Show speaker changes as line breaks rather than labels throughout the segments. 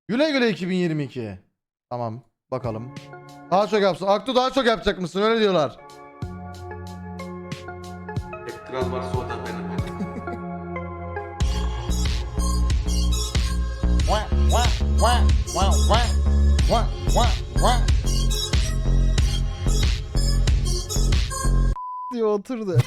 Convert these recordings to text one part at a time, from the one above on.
Güle güle 2022. Tamam bakalım. Daha çok yapsın. Aktu daha çok yapacak mısın? Öyle diyorlar.
Kral varsa o da benim.
diyor oturdu.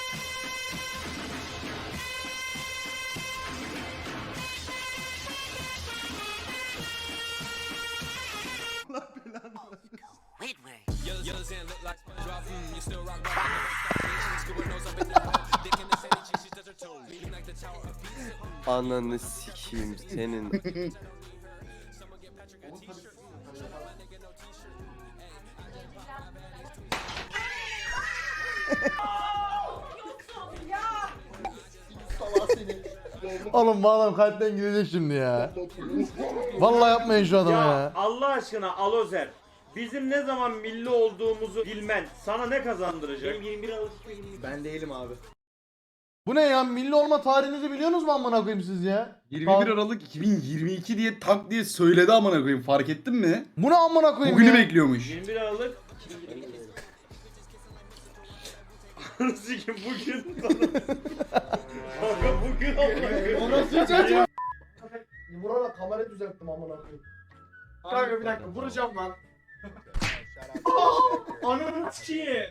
Ananı sikeyim senin.
Oğlum bu adam kalpten gidecek şimdi ya. Vallahi yapmayın şu adama ya.
Allah aşkına Alozer, bizim ne zaman milli olduğumuzu bilmen sana ne kazandıracak? Benim 21 Aralık 2022.
Ben değilim abi.
Bu ne ya? Milli olma tarihinizi biliyorsunuz mu amına koyayım siz ya?
21 Aralık 2022 diye tak diye söyledi amına koyayım, fark ettin mi?
Bu ne amına koyayım
Bugünü
ya?
bekliyormuş.
21 Aralık Sikim bugün. Kanka bugün amına.
Vurarak kamerayı düzelttim amına koyayım. Kanka bir dakika vuracağım lan. Ananı sikeyim.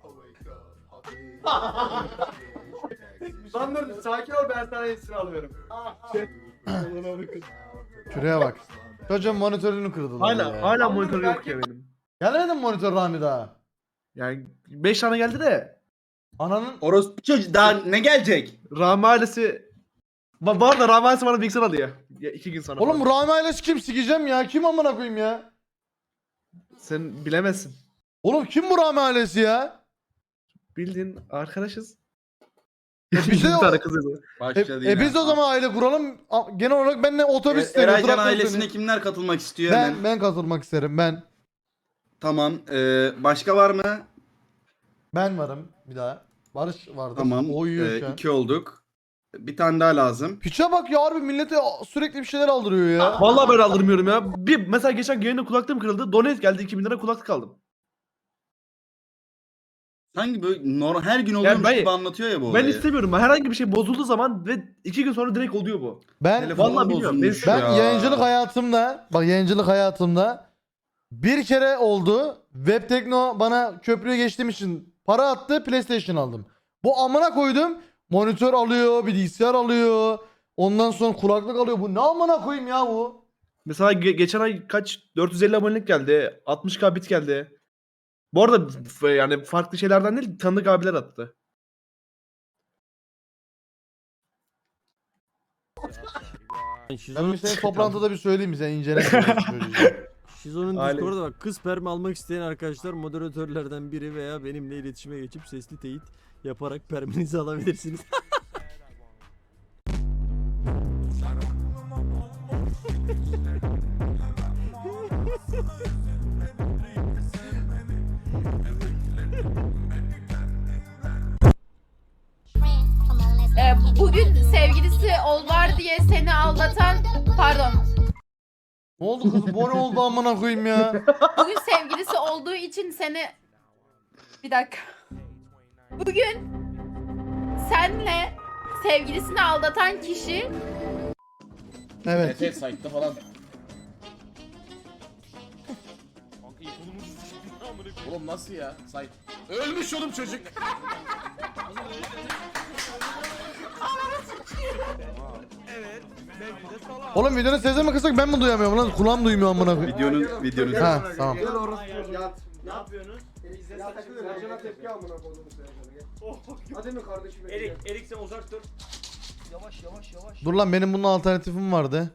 Lan dur sakin ol, ben sana iyisini alıyorum.
Şuraya bak. Çocuğun monitörünü kırdılar ya.
Hala monitörü yok ya benim.
Gelmedi mi monitör Rami daha?
Yani 5 tane geldi de
Ananın...
Orospu çocuğu daha ne gelecek?
Rami ailesi bu arada Rami ailesi bana bilgisayar alıyor. Ya 2 gün sonra.
Oğlum bu
falan.
Rami ailesi kim, sikeceğim ya? Kim amına koyayım ya?
Sen bilemezsin.
Oğlum kim bu Rami ailesi ya?
Bildiğin arkadaşız.
Biz de
Bir tane kızız.
Başladı yine.
biz de o zaman aile kuralım. Genel olarak ben de otobüs isterim.
Eraycan
traktör
ailesine
isterim.
kimler katılmak istiyor hemen?
Ben katılmak isterim.
Tamam. Başka var mı?
Ben varım bir daha. Barış vardı.
Tamam.
O uyuyor şu an.
2 olduk. Bir tane daha lazım.
Piçe bak ya, harbi millete sürekli bir şeyler aldırıyor ya.
Vallahi ben aldırmıyorum ya. Bir mesela geçen yayında kulaklığım kırıldı. Donate geldi 2000 lira kulaklık aldım.
Sanki böyle her gün oluyormuş
ben-
gibi anlatıyor ya bu
Ben
olayı.
istemiyorum. Herhangi bir şey bozulduğu zaman ve 2 gün sonra direkt oluyor bu.
Ben
Telefonum
Vallahi bilmiyorum.
bozulmuş
ben
ya.
yayıncılık hayatımda bir kere oldu. Web Tekno bana köprüye geçtiğim için para attı, PlayStation aldım. Bu amına koydum. Monitör alıyor, bilgisayar alıyor. Ondan sonra kulaklık alıyor. Bu ne amına koyayım ya bu?
Mesela geçen ay kaç 450 abonelik geldi. 60k bit geldi. Bu arada yani farklı şeylerden değil, tanıdık abiler attı.
Ben bir senin toplantıda bir söyleyeyim mi, sen incele.
Şizo'nun
Aile-
Discord'da bak, kız sperm almak isteyen arkadaşlar moderatörlerden biri veya benimle iletişime geçip sesli teyit yaparak perminizi alabilirsiniz.
Bugün sevgilisi var diye seni aldatan, pardon,
Ne oldu kız? Bu ne oldu amına koyayım ya?
bugün sevgilisi olduğu için seni, bir dakika, bugün senle sevgilisini aldatan kişi
Evet.
Site'da falan. Oğlum nasıl ya? Site. Ölmüş oğlum çocuk.
Oğlum videonun sesini mi kısak, ben mi duyamıyorum lan? Kulağım duymuyor amına koyayım.
Videonun.
Ha tamam.
Gel orası yat.
Ne yapıyorsunuz?
Ya takılıyor. Ercan'a tepki amına koydum Sercan'a. Hadi mi kardeşim?
Erik sen uzak dur.
Dur lan, benim bunun alternatifim vardı.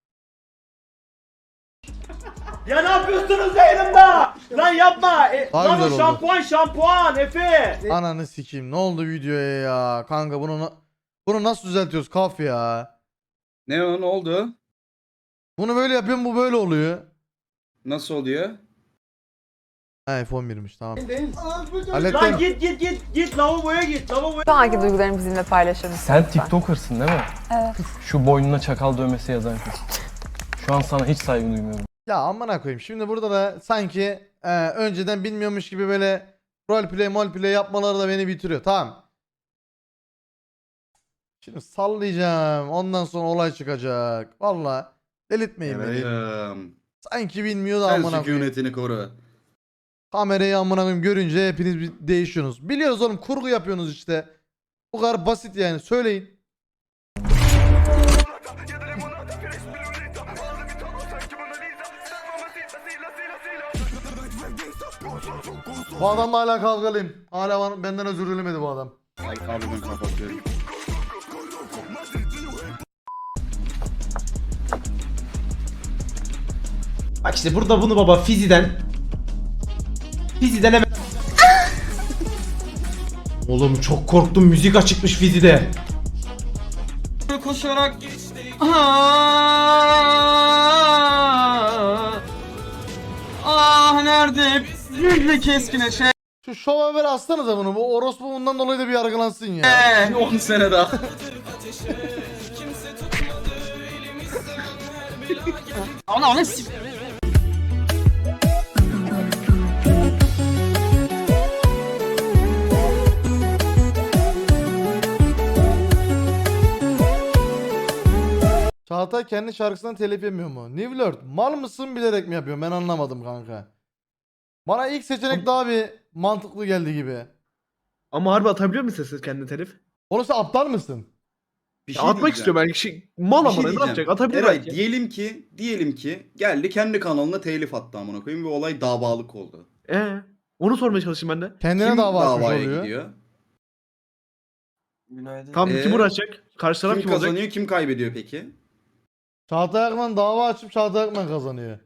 Ya ne yapıyorsunuz yayınımda? Lan yapma.
Daha
Lan
güzel
o
oldu.
şampuan Efe.
Ananı sikeyim. Ne oldu videoya ya? Kanka bunu nasıl düzeltiyoruz kaf ya?
Ne oldu?
Bunu böyle yapıyorum, bu böyle oluyor.
Nasıl oluyor?
Ha F11'miş tamam.
Lan
Hallettim.
git lavaboya git. Lavaboya.
Şu anki duygularını bizimle paylaşır mısın?
Sen TikToker'sın değil mi?
Evet.
Şu boynuna çakal dövmesi yazan kız.
Şu an sana hiç saygı duymuyorum.
Ya amına koyayım. Şimdi burada da sanki önceden bilmiyormuş gibi böyle roleplay yapmaları da beni bitiriyor. Tamam. Şimdi sallayacağım. Ondan sonra olay çıkacak. Valla delirtmeyin beni. Sanki bilmiyor da
Sen
amına koyayım.
sükunetini koru.
Kamerayı amına koyayım görünce hepiniz bir değişiyorsunuz. Biliyoruz oğlum, kurgu yapıyorsunuz işte. Bu kadar basit yani, söyleyin. Bu adamla hala kavgalıyım. Hala benden özür dilemedi bu adam.
Ay abi ben kapatıyorum.
Bak işte burada bunu baba Fizi'den hemen Oğlum çok korktum, müzik açıkmış Fizi'de.
Koşarak nerede yüzle keskine şey.
Şu şova ver aslanıza bunu. Bu orospu bundan dolayı da bir yargılansın ya.
10 sene daha.
Ona
Çağatay kendi şarkısından telif yemiyor mu? New Lord mal mısın bilerek mi yapıyor? Ben anlamadım kanka. Bana ilk seçenek daha bir mantıklı geldi gibi.
Ama harbi atabiliyor musun sesi kendine telif?
Oğlum sen aptal mısın?
Bir
Ya atmak
diyeceğim.
istiyorum belki. Mal
Bir
ama
şey
ne
diyeceğim.
yapacak? Atabilir
Eray
belki.
diyelim ki geldi kendi kanalına telif attı amına koyayım ve olay davalık oldu.
Onu sormaya çalışayım ben de.
Kendine
Kim
dava açmış
davaya
oluyor.
gidiyor?
Günaydın.
Tam kim
Ee,
uğraşacak? Karşı taraf
Kim
kim olacak?
kazanıyor, kim kaybediyor peki?
Çağatay Akman dava açıp Çağatay Akman kazanıyor.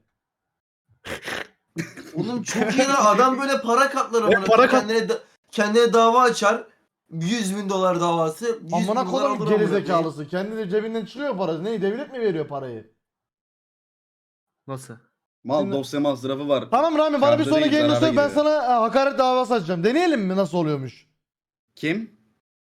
Oğlum çok iyi lan. Adam böyle para katlar amına.
para kat-
Kendine dava açar. 100 bin dolar davası. 100 bin
Amına
dolar
koyayım
alır amına koyayım.
gerizekalısı. Kendi de cebinden çıkıyor parası. Ne, devlet mi veriyor parayı?
Nasıl?
Mal
Şimdi-
dosya masrafı var.
Tamam Rami, bana bir
Kârda
sonra
değil,
gelin
zarara
söyle, ben
giriyor.
sana hakaret davası açacağım. Deneyelim mi nasıl oluyormuş?
Kim?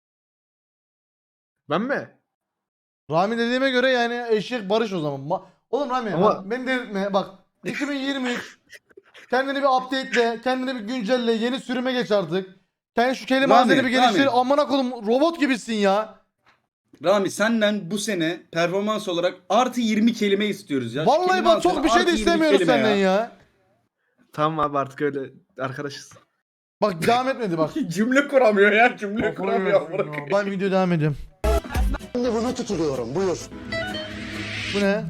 Ben mi?
Rami dediğime göre yani eşek barış o zaman. Oğlum Rami
Ama-
bak, beni delirtme bak. 2023 kendini bir update'le, kendini bir güncelle, yeni sürüme geç artık. Kendi şu kelime
Rami,
hazineni bir geliştir.
Rami.
Amına koydum, robot gibisin ya.
Rami senden bu sene performans olarak artı 20 kelime istiyoruz ya. Şu
Vallahi
kelime
bak çok
hakkında
bir şey
artı
de
20
istemiyoruz
kelime
senden ya.
Tamam abi artık öyle arkadaşız.
Bak devam etmedi bak.
Cümle kuramıyor ya, cümle kuramıyor.
Ben video devam ediyorum.
Şimdi bunu tutuluyorum. Buyur.
Bu ne?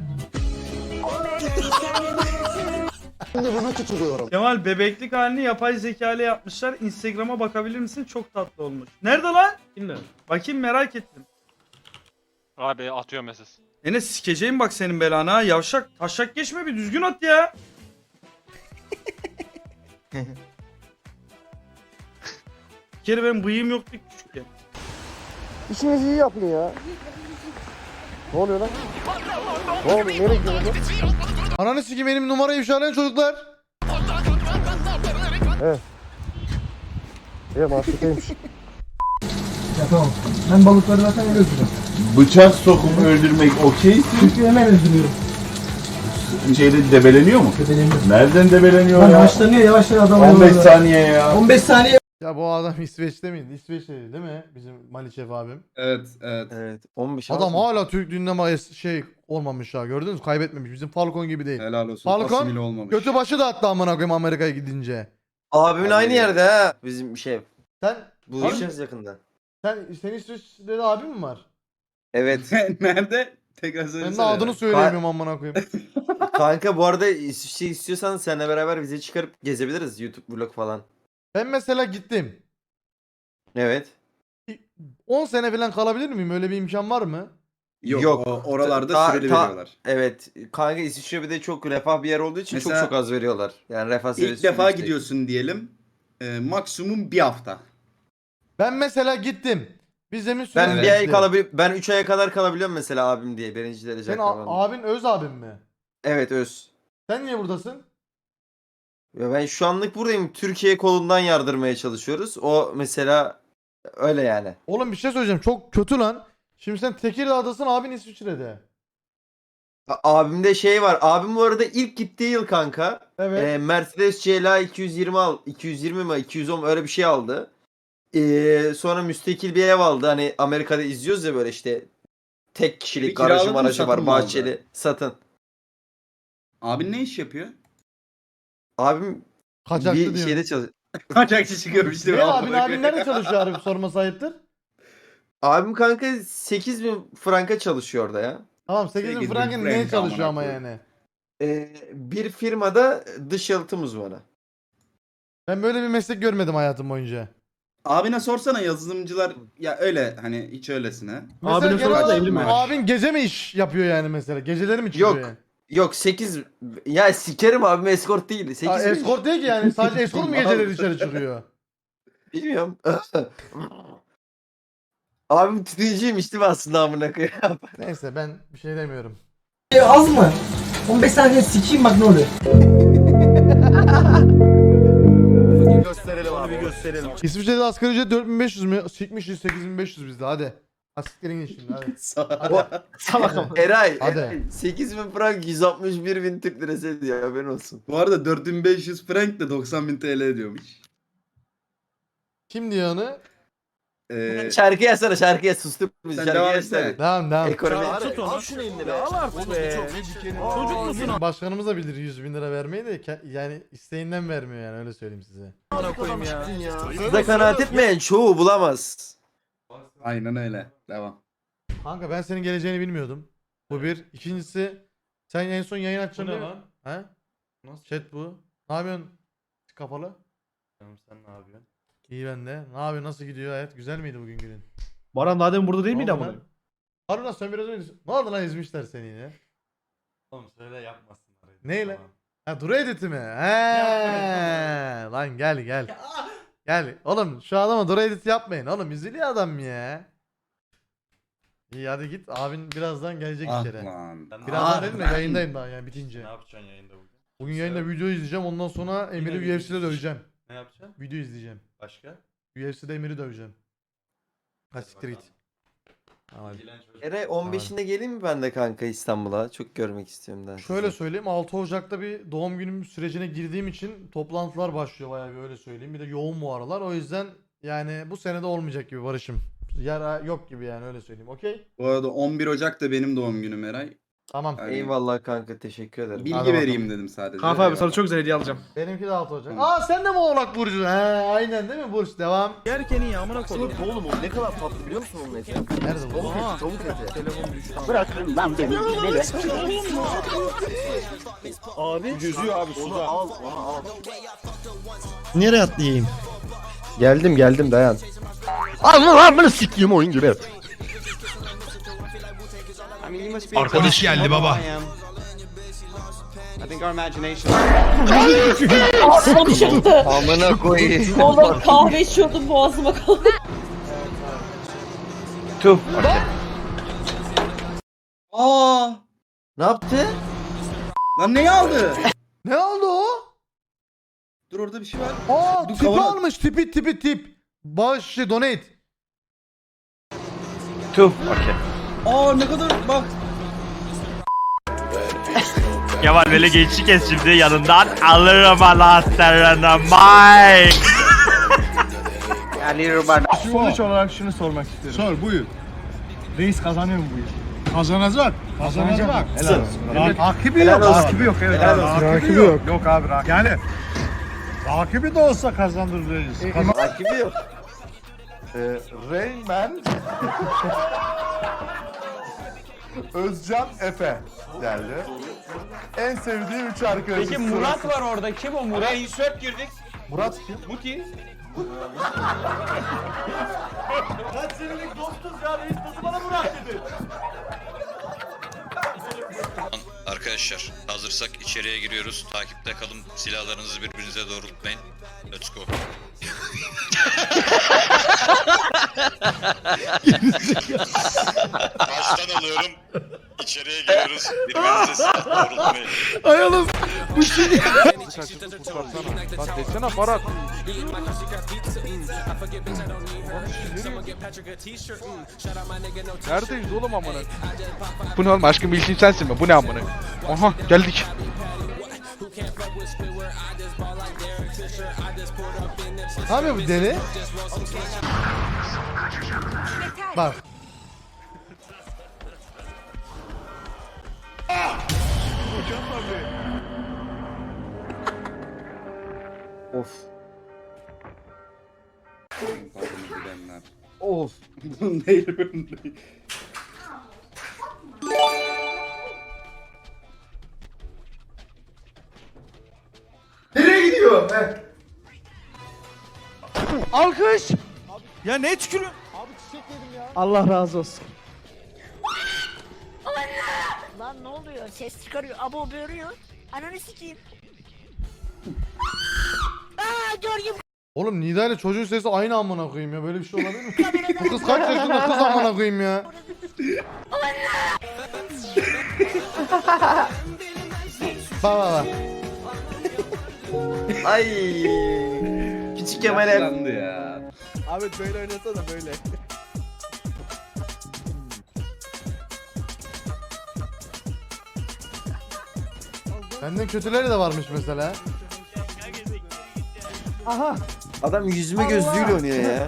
Şimdi bunu tutuluyorum.
Kemal bebeklik halini yapay zeka ile yapmışlar. Instagram'a bakabilir misin? Çok tatlı olmuş. Nerede lan?
Kimler?
Bakayım, merak ettim.
Abi atıyor mesaj.
Enes sikeceğim bak senin belanı ha. Yavşak taşak geçme, bir düzgün at ya. Bir kere benim bıyığım yoktu küçükken.
İşinizi iyi yapın ya. Ne oluyor lan? Ne oluyor? Nereye gidiyorsun?
Ananı sikeyim, benim numarayı ifşalayan çocuklar.
Mahsuttaymış.
Ya tamam. Ben balıkları zaten öldürüyorum.
Bıçak sokup öldürmek okey.
Çünkü hemen öldürüyorum.
Şeyde debeleniyor mu?
Bedeleniyorum.
Nereden debeleniyor
Lan
ya?
başlanıyor yavaş yavaş adam
15 saniye ya.
15 saniye.
Ya bu adam İsveç'te miydi? İsveç'teydi değil mi? Bizim Maliçev abim.
Evet, evet.
Evet 15
Adam hala Türk dinleme şey olmamış ha, gördünüz mü? Kaybetmemiş. Bizim Falcon gibi değil.
Helal olsun.
Falcon,
Asimile olmamış.
Götü başı da attı amına koyayım Amerika'ya gidince.
Abimin
Abi-
aynı yerde ha. Bizim şey.
Sen
Buluşacağız yakında.
senin İsveç'te de abin mi var?
Evet.
Nerede? Tekrar
Ben
söylesene.
de adını söyleyemiyorum amına koyayım.
Kanka bu arada şey istiyorsan seninle beraber bize çıkarıp gezebiliriz. YouTube vlog falan.
Ben mesela gittim.
Evet.
10 sene falan kalabilir miyim? Öyle bir imkan var mı?
Yok,
Yok.
oralarda
Ta-
süreli
ta-
veriyorlar.
Evet. Kanka İsviçre bir de çok refah bir yer olduğu için
Mesela
çok az veriyorlar. Yani refah seviyesi
İlk defa
yüksek.
gidiyorsun diyelim. Maksimum bir hafta.
Ben mesela gittim. Vizemin süresi
Ben bir ay
bitti.
ben 3 aya kadar kalabiliyorum mesela abim diye. Birinci derece
Senin
akrabam.
abin öz abin mi?
Evet öz.
Sen niye buradasın?
Ya ben şu anlık buradayım. Türkiye kolundan yardırmaya çalışıyoruz. O mesela öyle yani.
Oğlum bir şey söyleyeceğim. Çok kötü lan. Şimdi sen Tekirdağ'dasın, abin İsviçre'de.
Abimde şey var. Abim bu arada ilk gittiği yıl kanka.
Evet.
Mercedes CLA 220 mi 210 öyle bir şey aldı. Sonra müstakil bir ev aldı. Hani Amerika'da izliyoruz ya böyle işte tek kişilik
Evi kiraladın
garajı
mı,
marajı
satın
var
mı aldı?
bahçeli satın.
Abin ne iş yapıyor?
Abim
Kaçakçı
bir
diyor.
şeyde çalışıyor.
Kaçakçı çıkıyormuş değil mi?
Ne abin nerede çalışıyor abi sorma sayıptır?
Abim kanka 8.000 franka çalışıyor orada ya.
Tamam 8.000
8.000
frankın neye
frank
çalışıyor ama
amına
yani?
Bir firmada dış yalıtım uzmanı.
Ben böyle bir meslek görmedim hayatım boyunca.
Abine sorsana yazılımcılar ya öyle hani hiç öylesine.
Mesela
Abine
genel
sorarsa
olarak
evli mi?
abin gece mi iş yapıyor yani mesela? Geceleri mi çıkıyor
Yok.
yani?
Yok 8 ya sikerim abim eskort değil. 8
Aa, eskort değil ki yani sadece eskort mu geceleri dışarı çıkıyor?
Bilmiyorum. Abim tütüncüymüş değil mi aslında amına koyayım?
Neyse ben bir şey demiyorum.
Az mı? 15 saniye sikeyim bak ne oluyor.
Gösterelim abi. Gösterelim.
İsviçre'de asgari ücret 4500 mü? Sikmişiz 8500 bizde hadi. Asiklerin git şimdi hadi.
Salakım. Eray.
Hadi.
8.000 frank 161.000 Türk lirası ediyor haberin olsun.
Bu arada 4500 frank de 90.000 TL ediyormuş.
Kim diyor onu?
Şarkı yazsana şarkıya sustum bizi
Sen
şarkı
devam
yazsana.
etsene.
Devam.
Ekonomi.
Al şunu eline Al artık be. Çocuk musun?
Başkanımız da bilir 100.000 lira vermeyi de yani isteğinden vermiyor yani öyle söyleyeyim size.
Ana koyayım ya.
Size kanaat etmeyen çoğu bulamaz.
Aynen öyle. Devam.
Kanka ben senin geleceğini bilmiyordum. Bu bir. İkincisi sen en son yayın açacaksın değil mi? He? Nasıl? Chat bu. Ne yapıyorsun? Kapalı. Canım sen ne yapıyorsun? İyi ben de. Ne yapıyorsun? Nasıl gidiyor hayat? Güzel miydi bugün günün?
Baran daha demin burada değil miydi
Ne oldu
ama?
lan? Harun sen biraz önce... Ne oldu lan ezmişler seni yine?
Oğlum söyle yapmasınlar.
Neyle? Ha Duru editi mi? He. Lan gel. Gel. Oğlum şu adama Duru edit yapmayın. Oğlum üzülüyor adam ya. İyi hadi git. Abin birazdan gelecek
Ah
içeri.
lan.
Birazdan dedim de yayındayım daha yani bitince.
Ne yapacaksın yayında bugün?
Bugün yayında video izleyeceğim. Ondan sonra Emir'i
video
UFC'de döveceğim.
Ne yapacaksın?
Video izleyeceğim.
Başka?
UFC'de Emir'i döveceğim. Ha siktir git. Tamam.
Eray 15'inde geleyim mi ben de kanka İstanbul'a? Çok görmek istiyorum daha.
Şöyle söyleyeyim 6 Ocak'ta bir doğum günüm sürecine girdiğim için toplantılar başlıyor bayağı bir öyle söyleyeyim. Bir de yoğun bu aralar. O yüzden yani bu senede olmayacak gibi Barış'ım. Yara yok gibi yani öyle söyleyeyim. Okey?
Bu arada 11 Ocak da benim doğum günüm Eray.
Tamam.
Yani
Eyvallah kanka teşekkür ederim.
bilgi
Hadi
vereyim
bakalım.
dedim sadece.
Kafa abi sana çok güzel hediye alacağım.
Benimki de 6 Ocak.
Tamam.
Aa sen de mi Oğlak Burcu? He aynen değil mi Burç? Devam.
Yerken iyi amına koydum. Oğlum o ne kadar tatlı biliyor musun onun eti?
Nerede bu?
Tavuk eti. Telefon düştü.
Bırakın lan beni.
Abi yüzüyor abi suda. Al onu al.
Nereye atlayayım? Geldim dayan. Allah bunu sikeyim oyun gibi.
Arkadaş geldi baba.
Ağzıma çıktı.
Amına koyayım.
Oğlum kahve içiyordum boğazıma kaldı.
Aa!
Ne yaptı?
Lan neyi aldı?
Ne oldu o?
Dur orada bir şey var.
Aa
Dur,
tipi
kavanoz.
almış tip. Bağış donate.
Aa ne kadar bak.
Kemal böyle gençlik kes şimdi yanından alırım anahtarını Mike.
Sonuç olarak şunu sormak istiyorum. Sor buyur. Reis kazanıyor mu bu iş? Kazanacak. Kazanacak. Helal olsun. Rakibi yok. Rakibi yok. Evet. Rakibi yok. Yok abi rakibi. Yani rakibi de olsa kazanır reis.
Rakibi yok.
Rain Man Özcan Efe geldi. En sevdiğim 3 arkadaşım.
Peki Murat var orada. Kim o Murat? Insert girdik.
Murat kim?
Muti.
Kaç senelik dostuz ya reis nasıl bana Murat dedi?
Arkadaşlar hazırsak içeriye giriyoruz. Takipte kalın. Silahlarınızı birbirinize doğrultmayın. Let's go. Baştan alıyorum. İçeriye giriyoruz. Birbirinize silah doğrultmayın.
Ay oğlum bu şey
Kızı kaçırdın kurtarsana. Lan desene Farhat. Neredeyiz oğlum amına? Bu ne oğlum, aşkım bilsin sensin mi? Bu ne amına? Aha geldik.
Ne yapıyor bu deli? Bak.
Of.
Of. Bunun değil bunun değil.
Nereye gidiyor?
Alkış. Ya ne tükürüyorsun?
Allah razı olsun.
Lan ne oluyor? Ses çıkarıyor. Abo böğürüyor. Ananı sikeyim. Aa George
Oğlum Nida ile çocuğun sesi aynı amına koyayım ya. Böyle bir şey olabilir mi? Bu kız kaç yaşında kız amına koyayım ya. Bak bak bak.
Ay. Küçük Kemal'e.
Landı ya.
Abi böyle oynasana böyle.
Benden kötüleri de varmış mesela.
Adam yüzme gözlüğüyle oynuyor ya.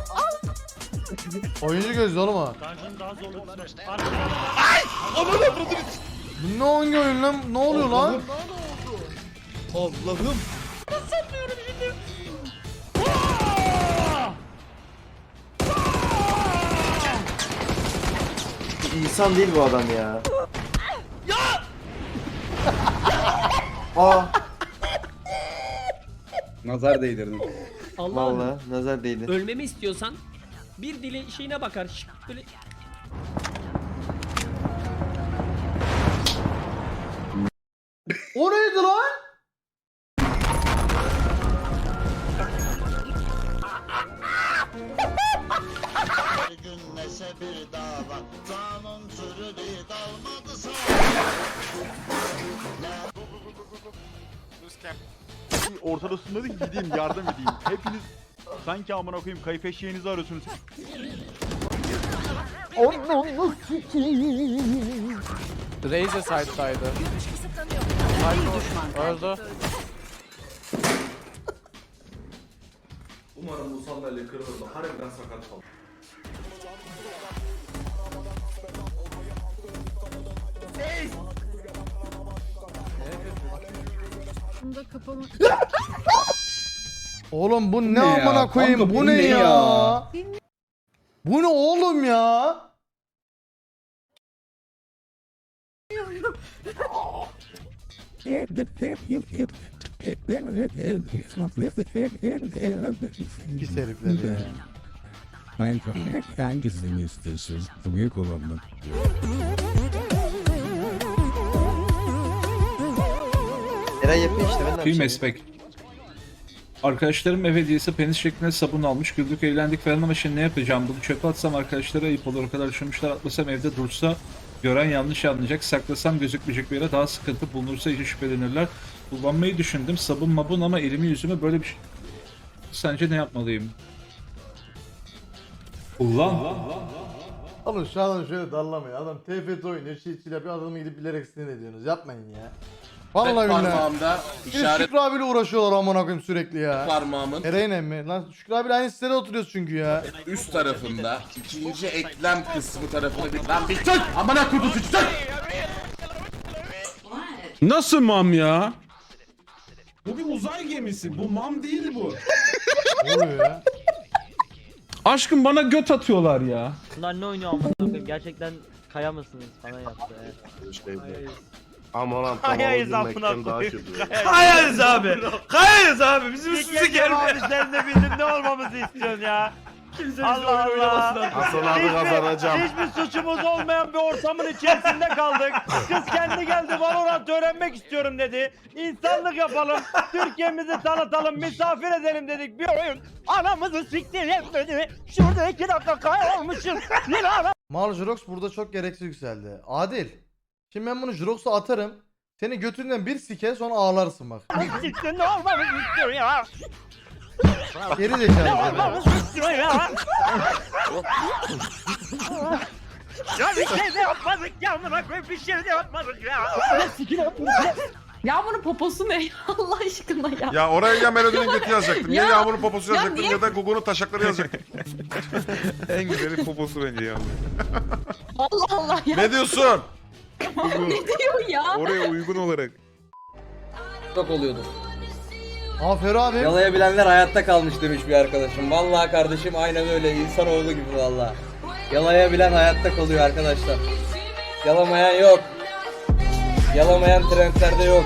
Oyuncu gözlü oğlum o. Bu ne hangi oyun lan? Ne oluyor lan?
Allah'ım.
İnsan değil bu adam ya. Aa.
Nazar değdirdin.
Vallahi nazar değdi.
Ölmemi istiyorsan bir dili şeyine bakar. Böyle
O neydi lan?
Ortadasında da gideyim yardım edeyim. Hepiniz sanki amına koyayım kayıp eşeğinizi arıyorsunuz. Razer side'daydı. Öldü.
Umarım bu sandalye kırılır da harbiden sakat kalır.
Bunda kapama.
Oğlum bu ne
ne ya?
amına koyayım?
Kanka,
Bu
bu
ne
ne
ya?
ya?
Bu ne oğlum ya? Pis herifler ya.
Hangisini istiyorsun? Büyük olanı.
Eray yapıyor işte ben de yapacağım.
Mespek. Arkadaşlarım ev hediyesi penis şeklinde sabun almış. Güldük eğlendik falan ama şimdi ne yapacağım? Bunu çöpe atsam arkadaşlara ayıp olur. O kadar düşünmüşler, atlasam evde dursa gören yanlış anlayacak. Saklasam gözükmeyecek bir yere daha sıkıntı bulunursa iyice şüphelenirler. Kullanmayı düşündüm. Sabun mabun ama elimi yüzüme böyle bir şey... Sence ne yapmalıyım? Kullan.
Oğlum şu adam şöyle darlamayın. Adam TFT oynuyor. Çiğ yapıyor. Adamı gidip bilerek sinir ediyorsunuz. Yapmayın ya. Vallahi billahi.
Parmağımda
Bir
işaret
Şükrü abiyle uğraşıyorlar amına koyayım sürekli ya.
parmağımın
Ereğin mi? Lan Şükrü abiyle aynı sitede oturuyoruz çünkü ya.
üst tarafında ikinci eklem kısmı tarafını bir... Lan bir tut! Amına kudusu tut!
Nasıl mam ya? Bu bir uzay gemisi. Bu mam değil bu.
Ne oluyor ya?
Aşkım bana göt atıyorlar ya.
Bunlar ne oynuyor amına koyayım? Gerçekten kaya mısınız falan yaptı.
Aman lan
Kayayız amına koyayım. Kayayız abi. Kayayız abi. Bizim üstümüze gelme. Abi sen de bizim ne olmamızı istiyorsun ya? Kimse Allah Allah.
Hasan abi kazanacağım.
Hiçbir suçumuz olmayan bir ortamın içerisinde kaldık. Kız kendi geldi Valorant öğrenmek istiyorum dedi. İnsanlık yapalım. Türkiye'mizi tanıtalım. Misafir edelim dedik. Bir oyun. Anamızı siktir etmedi. Şurada 2 dakika kaya olmuşuz. Yine ana.
Mal Jirox burada çok gereksiz yükseldi. Adil. Şimdi ben bunu Jirox'a atarım. Seni götünden bir sike sonra ağlarsın bak.
Siktir ne olmamı istiyor ya.
Geri zekalı.
Olmamı istiyor ya. Ya bir şey de yapmadık ya amına koyayım bir şey de yapmadık ya.
Ya bunun poposu ne? Allah aşkına ya.
Ya oraya ya Melody'nin götü yazacaktım. Ya
Ya-
Yağmur'un poposu
ya
yazacaktım
niye-
ya da Gugu'nun taşakları yazacaktım.
En güzeli poposu bence ya.
Allah Allah ya.
Ne diyorsun?
Ne diyor ya?
Oraya uygun olarak.
Çok oluyordu.
Aferin abi.
Yalayabilenler hayatta kalmış demiş bir arkadaşım. Vallahi kardeşim aynen öyle. İnsanoğlu gibi vallahi. Yalayabilen hayatta kalıyor arkadaşlar. Yalamayan yok. Yalamayan trendlerde yok.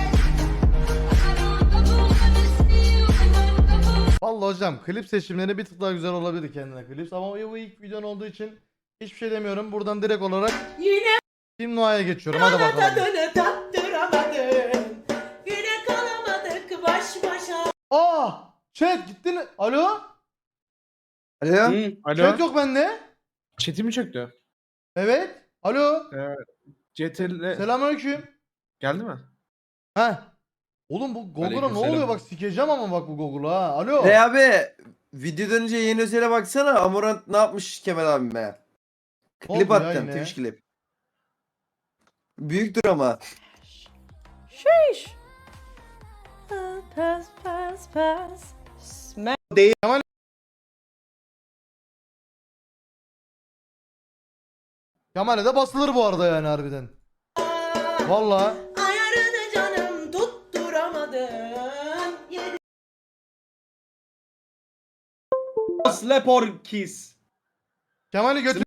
Vallahi hocam klip seçimleri bir tık daha güzel olabilir kendine klip. Ama bu ilk videon olduğu için hiçbir şey demiyorum. Buradan direkt olarak
Yine
Team Noah'ya geçiyorum. Hadi bakalım.
tattıramadın. Yine kalamadık baş başa.
Chat gittin. Alo?
Alo?
Alo.
Chat yok bende.
Chat'i mi çöktü?
Evet. Alo.
CTRL
Selamünaleyküm.
geldi mi?
Heh. Oğlum bu Google'a ne
Aleykümselam.
oluyor bak sikeceğim ama bak bu Google'a ha. Alo.
Abi videodan önce yeni özele baksana. Amorant ne yapmış Kemal abime?
oldu
Klip
ya
attım.
yine?
Twitch klip. Büyüktür ama.
Şiş. Pass pass pass.
Kemal'e de basılır bu arada yani harbiden. Vallahi.
Ayarını canım tutturamadın.
Slap or kiss.
Kemal'i götür.